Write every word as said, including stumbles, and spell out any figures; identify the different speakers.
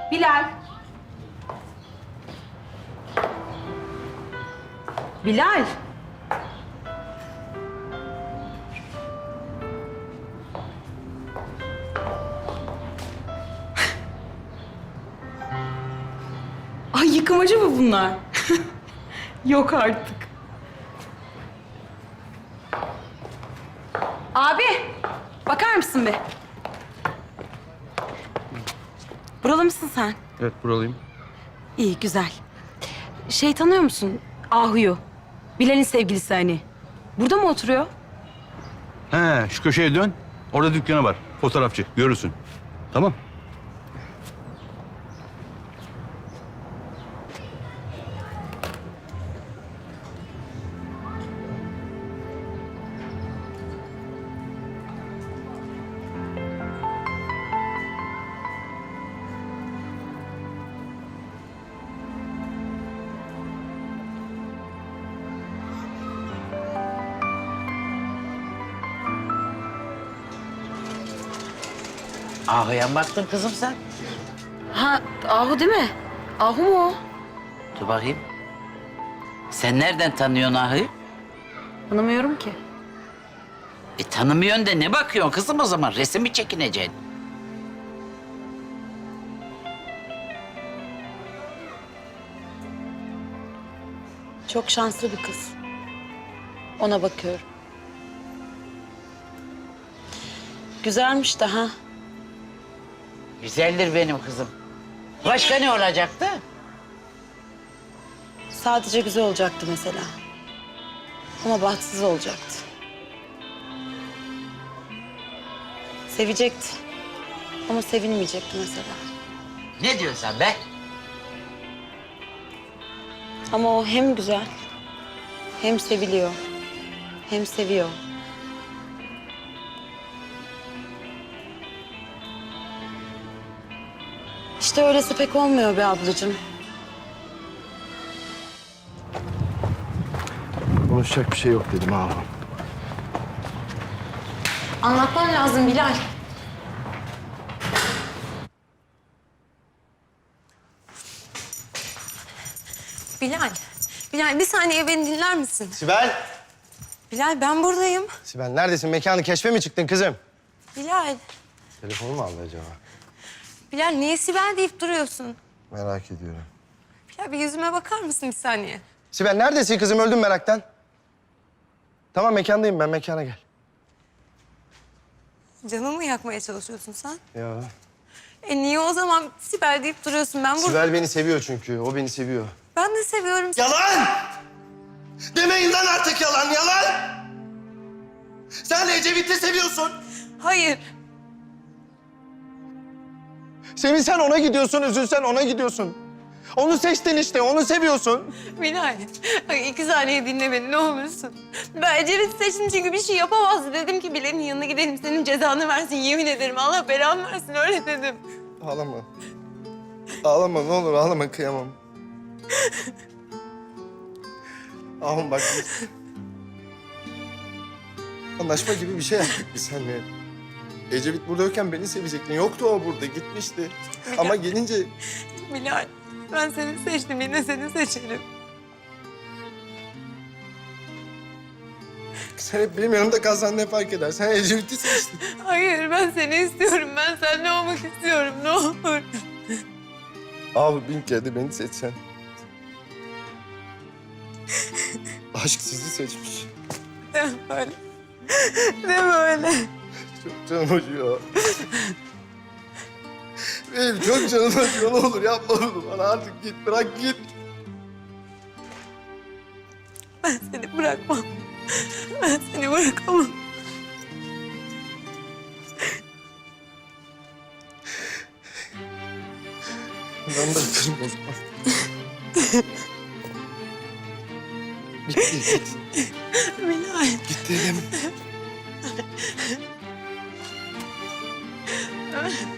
Speaker 1: Bilal. Bilal. Ay yıkamacı mı bunlar? Yok artık. Abi, bakar mısın bir? Buralı mısın sen?
Speaker 2: Evet, buralıyım.
Speaker 1: İyi, güzel. Şey tanıyor musun? Ahu'yu. Bilal'in sevgilisi hani. Burada mı oturuyor?
Speaker 2: He, şu köşeye dön. Orada dükkanı var. Fotoğrafçı. Görürsün. Tamam.
Speaker 3: Ahu'ya mı baktın kızım sen?
Speaker 1: Ha, Ahu değil mi? Ahu mu o?
Speaker 3: Dur bakayım. Sen nereden tanıyorsun Ahu'yu?
Speaker 1: Tanımıyorum ki.
Speaker 3: E tanımıyorsun da ne bakıyorsun kızım o zaman? Resim mi çekineceksin?
Speaker 1: Çok şanslı bir kız. Ona bakıyorum. Güzelmiş de ha.
Speaker 3: Güzeldir benim kızım. Başka ne olacaktı?
Speaker 1: Sadece güzel olacaktı mesela. Ama bahtsız olacaktı. Sevecekti. Ama sevilmeyecekti mesela.
Speaker 3: Ne diyorsun sen be?
Speaker 1: Ama o hem güzel, hem seviliyor, hem seviyor. İşte öylesi pek olmuyor be ablacığım.
Speaker 4: Konuşacak bir şey yok dedim ha.
Speaker 1: Anlatman lazım Bilal.
Speaker 5: Bilal, Bilal bir saniye beni dinler misin?
Speaker 4: Sibel!
Speaker 5: Bilal ben buradayım.
Speaker 4: Sibel neredesin? Mekanı keşfe mi çıktın kızım?
Speaker 5: Bilal,
Speaker 4: Telefonu mu aldı acaba?
Speaker 5: Bilal niye Sibel deyip duruyorsun?
Speaker 4: Merak ediyorum.
Speaker 5: Bilal bir yüzüme bakar mısın bir saniye?
Speaker 4: Sibel neredesin kızım? Öldüm meraktan. Tamam mekandayım ben. Mekana gel.
Speaker 5: Canımı mı yakmaya çalışıyorsun sen?
Speaker 4: Ya.
Speaker 5: E niye o zaman Sibel deyip duruyorsun? Ben burada...
Speaker 4: Sibel beni seviyor çünkü. O beni seviyor.
Speaker 5: Ben de seviyorum seni.
Speaker 6: Yalan! Demeyin lan artık yalan, yalan! Sen Ecevit'i seviyorsun.
Speaker 5: Hayır.
Speaker 4: Sevinsen ona gidiyorsun, üzülsen ona gidiyorsun. Onu seçtin işte, onu seviyorsun.
Speaker 5: Bilal, ay iki saniye dinle beni ne olursun. Ben Ecevit'i seçtim çünkü bir şey yapamazdı. Dedim ki Bilal'in yanına gidelim, senin cezanı versin. Yemin ederim Allah belamı versin, öyle dedim.
Speaker 4: Ağlama. Ağlama ne olur ağlama kıyamam. Ahım bak biz... Anlaşma gibi bir şey yaptık biz seninle. Ecevit buradayken beni sevecektin. Yoktu o burada, gitmişti. Ama gelince...
Speaker 5: Bilal, ben seni seçtim, yine seni seçerim.
Speaker 4: Sen hep benim yanımda kalsan ne fark eder? Sen Ecevit'i seçtin.
Speaker 5: Hayır, ben seni istiyorum. Ben seninle olmak istiyorum, ne olur.
Speaker 4: Abi bin kere de beni seçsen. Aşk sizi seçmiş.
Speaker 5: Deme böyle. Deme öyle.
Speaker 4: Çok canım acıyor. Benim çok canım acıyor. Ne olur yapma bunu bana. Artık git, bırak git.
Speaker 5: Ben seni bırakmam. Ben seni bırakamam.
Speaker 4: Ben bırakırım o zaman. Bitti, git.
Speaker 5: Bilal.
Speaker 4: Git dedim.